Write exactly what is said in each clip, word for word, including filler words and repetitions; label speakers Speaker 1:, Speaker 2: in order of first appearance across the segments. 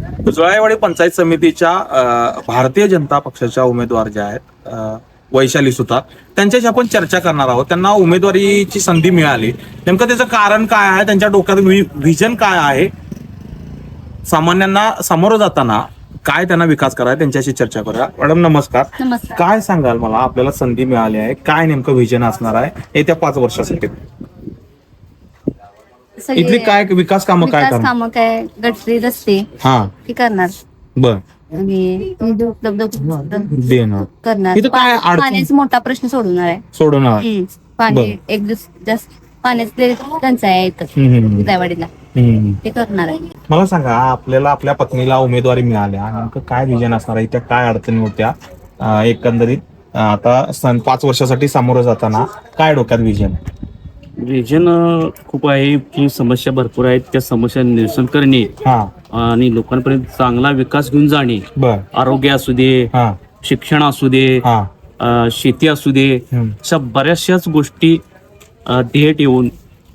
Speaker 1: जुळाईवाडी पंचायत समितीच्या अ, भारतीय जनता पक्षाच्या उमेदवार ज्या आहेत अ, वैशाली सुतार, त्यांच्याशी आपण चर्चा करणार आहोत. त्यांना उमेदवारीची संधी मिळाली, नेमकं त्याचं कारण काय आहे, त्यांच्या डोक्यात व्हिजन काय आहे, सामान्यांना सामोरं जाताना काय त्यांना विकास करायचा, त्यांच्याशी चर्चा करूया. मॅडम नमस्कार.
Speaker 2: नमस्कार.
Speaker 1: काय सांगाल मला, आपल्याला संधी मिळाली आहे, काय नेमकं व्हिजन असणार आहे येत्या पाच वर्षासाठी?
Speaker 2: सगळे
Speaker 1: इथली काय विकास कामं काय
Speaker 2: विकास
Speaker 1: करणार?
Speaker 2: कामं काय गटरी रस्ते
Speaker 1: हा
Speaker 2: ती करणार
Speaker 1: बर
Speaker 2: आणि निधी उपलब्ध
Speaker 1: देणार
Speaker 2: करणार.
Speaker 1: इथं काय
Speaker 2: पा-
Speaker 1: अडचण?
Speaker 2: पाण्याचा मोठा प्रश्न सोडवणार आहे.
Speaker 1: सोडवणार.
Speaker 2: हम्म. पाणी
Speaker 1: बरं.
Speaker 2: एक दिवस जास्त पाण्याचे टंचाई आहे इथं
Speaker 1: हम्म, हम्म,
Speaker 2: विदायवाडीला,
Speaker 1: हम्म.
Speaker 2: ते करणार आहे.
Speaker 1: मला सांगा, आपल्याला आपल्या पत्नीला उमेदवारी मिळाल्या, नेमकं काय विजन असणार आहे, त्या काय अडचणी होत्या अं, एकंदरीत अं, आता सन पाच वर्षासाठी सामोरं जाताना काय डोक्यात विजन?
Speaker 3: रिजन खूप आहे की समस्या भरपूर आहेत, त्या समस्या निरसन करणे
Speaker 1: हा
Speaker 3: आणि लोकांपर्यंत चांगला विकास घेऊन जाणे.
Speaker 1: बर
Speaker 3: आरोग्य असू दे,
Speaker 1: हा
Speaker 3: शिक्षण असू दे,
Speaker 1: हा
Speaker 3: अ, शेती असू दे,
Speaker 1: हम्म.
Speaker 3: अशा बऱ्याचशाच गोष्टी अ, ध्येय ठेवून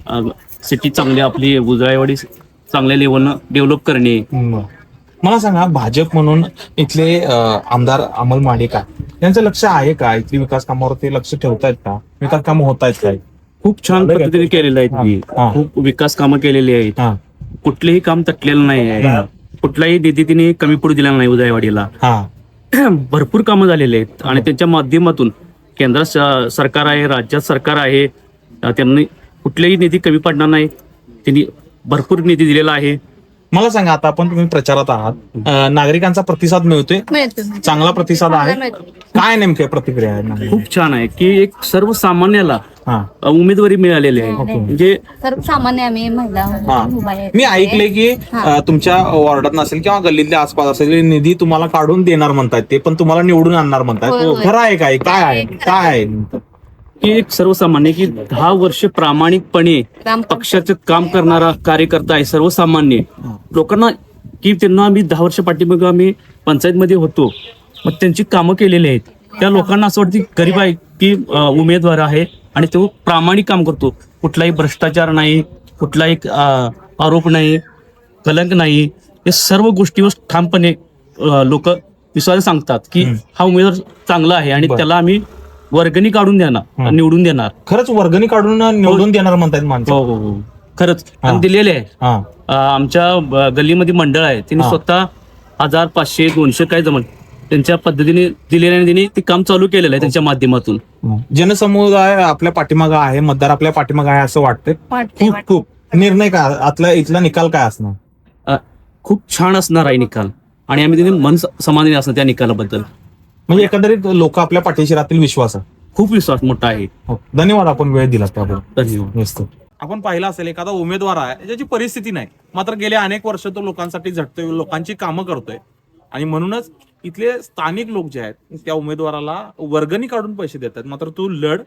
Speaker 3: सिटी चांगली आपली उजळाईवाडी चांगल्या लेवलनं डेव्हलप करणे.
Speaker 1: हम्म. मला सांगा, भाजप म्हणून इथले अं, आमदार अमल माडिका यांचं लक्ष आहे का? इथली विकास कामावरती लक्ष ठेवतायत का? विकास कामं होत आहेत काय?
Speaker 3: खूप छान पद्धतीने केलेलं आहे
Speaker 1: हा.
Speaker 3: त्यांनी. खूप विकास कामं केलेली आहेत.
Speaker 1: हा
Speaker 3: कुठलेही काम तटलेलं नाही आहे. कुठलाही निधी तिने कमी पडू दिला नाही उजळाईवाडीला.
Speaker 1: हा
Speaker 3: भरपूर कामं झालेली आहेत आणि त्यांच्या माध्यमातून केंद्र स- सरकार आहे, राज्यात सरकार आहे, अ, त्यांनी कुठलेही निधी कमी पडणार नाही. त्यांनी भरपूर निधी दिलेला आहे.
Speaker 1: मला सांगा, आता आपण तुम्ही प्रचारात आहात, अं, नागरिकांचा प्रतिसाद मिळतोय?
Speaker 2: मिळतो.
Speaker 1: चांगला प्रतिसाद आहे?
Speaker 2: मिळतो.
Speaker 1: काय नेमके प्रतिक्रिया आहे नागरिकांची?
Speaker 3: खूप छान आहे की एक सर्वसामान्याला
Speaker 1: हा
Speaker 3: अ, उमेदवारी मिळालेली आहे. म्हणजे
Speaker 2: सर्वसामान्य आम्ही महिला
Speaker 1: हा.
Speaker 2: उभा आहे.
Speaker 1: मी ऐकले की अं, तुमच्या वॉर्डात नसेल किंवा गल्लीतल्या आसपास असेल, निधी तुम्हाला काढून देणार म्हणतायत, ते पण तुम्हाला निवडून आणणार
Speaker 2: होय,
Speaker 1: म्हणतायत.
Speaker 2: होय.
Speaker 1: खरं आहे काय? काय आहे? काय आहे नेमकं?
Speaker 3: की एक सर्वसामान्य की दहा वर्ष प्रामाणिकपणे
Speaker 2: काम
Speaker 3: पक्षाचं काम करणारा कार्यकर्ता आहे. सर्वसामान्य लोकांना की त्यांना आम्ही दहा वर्ष पाठीमागे आम्ही पंचायतमध्ये होतो, मग त्यांची कामं केलेली आहेत. त्या लोकांना असं वाटतं की गरीब आहे की अ, उमेदवार आहे आणि तो प्रामाणिक काम करतो. कुठलाही भ्रष्टाचार नाही, कुठलाही अ, आरोप नाही, कलंक नाही. या सर्व गोष्टीवर ठामपणे लोक विश्वास सांगतात की हा उमेदवार चांगला आहे आणि
Speaker 1: बरं.
Speaker 3: त्याला आम्ही वर्गणी काढून देणार, निवडून देणार.
Speaker 1: खरंच वर्गणी काढून निवडून देणार म्हणतायत माणसं?
Speaker 3: हो हो हो खरंच
Speaker 1: हा.
Speaker 3: आणि दिलेले आहे.
Speaker 1: हा
Speaker 3: अ, आमच्या ब- गल्लीमध्ये मंडळ आहे, त्यांनी
Speaker 1: हा.
Speaker 3: स्वतः हजार पाचशे दोनशे काय जमल त्यांच्या पद्धतीने दिलेल्या आणि त्यांनी ते काम चालू केलेलं आहे त्यांच्या माध्यमातून.
Speaker 1: जनसमुदाय आपल्या पाठीमागं आहे, मतदार आपल्या पाठीमागं आहे असं वाटतंय.
Speaker 2: वाटते,
Speaker 1: खूप खूप निर्णय काय आतला इथला निकाल काय असणार?
Speaker 3: अ, खूप छान असणार आहे निकाल आणि आम्ही त्यांनी मन स- समाधानी असणार त्या निकालाबद्दल.
Speaker 1: म्हणजे एकंदरीत लोक आपल्या पाठीशी राहतील, विश्वास आहे.
Speaker 3: खूप विश्वास मोठा आहे.
Speaker 1: हो. धन्यवाद, आपण वेळ दिला त्याबद्दल.
Speaker 3: धन्यवाद.
Speaker 1: मस्त. आपण पाहिलं असेल, एखादा उमेदवार आहे ज्याची परिस्थिती नाही, मात्र गेले अनेक वर्ष तो लोकांसाठी झटतोय, लोकांची कामं करतोय आणि म्हणूनच इथले स्थानिक लोक जे आहेत त्या उमेदवाराला वर्गणी काढून पैसे देतात, मात्र तू लढ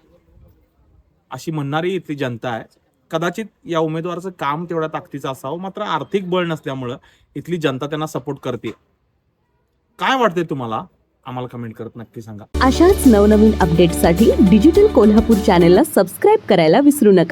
Speaker 1: अशी म्हणणारी इथली जनता आहे. कदाचित या उमेदवाराचं काम तेवढ्या ताकदीचं असावं, मात्र आर्थिक बळ नसल्यामुळं इथली जनता त्यांना सपोर्ट करते. काय वाटतंय तुम्हाला? आम्हाला कमेंट करत नक्की सांगा.
Speaker 4: अशाच नवनवीन अपडेट्ससाठी डिजिटल कोल्हापूर चॅनेलला सबस्क्राईब करायला विसरू नका.